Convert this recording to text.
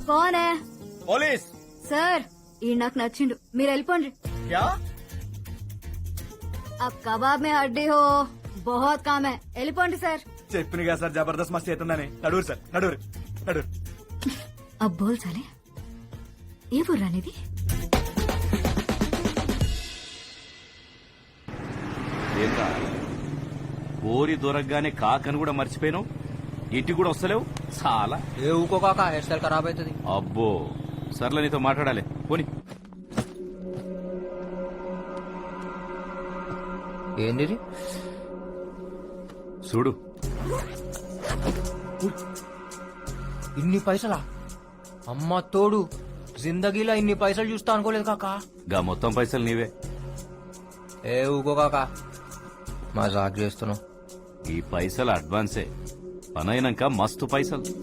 కోనే police sir ఈ నాకు నచ్చిండు మీరు వెళ్ళిపోండి క్యా अब कबाब में हड्डी हो बहुत काम है వెళ్ళిపోండి సార్ చెప్పిన కదా సార్ జబర్దస్త్ మస్త్ అవుతుందని నడువురు సార్ నడువురు నడువురు अब बोल साले ఏ బుర్రానిది ఏంట్రా ఓరి దొరకగానే కాకని కూడా మర్చిపోయాను ఇంటికి కూడా వస్తలేవు చాలా ఏ ఊకో కాక హెయిర్ స్టైల్ ఖరాబ్ అవుతుంది. అబ్బో సర్లే నీతో మాట్లాడాలి పోని ఏంది ఇది? చూడు ఇన్ని పైసలా? అమ్మ తోడు జిందగీలో ఇన్ని పైసలు చూస్తా అనుకోలేదు కాక. గా మొత్తం పైసలు నీవే. ఏ ఊకో కాక మజాక్ చేస్తున్నావు. ఈ పైసలు అడ్వాన్సే పనైనాక మస్తు పైసలు.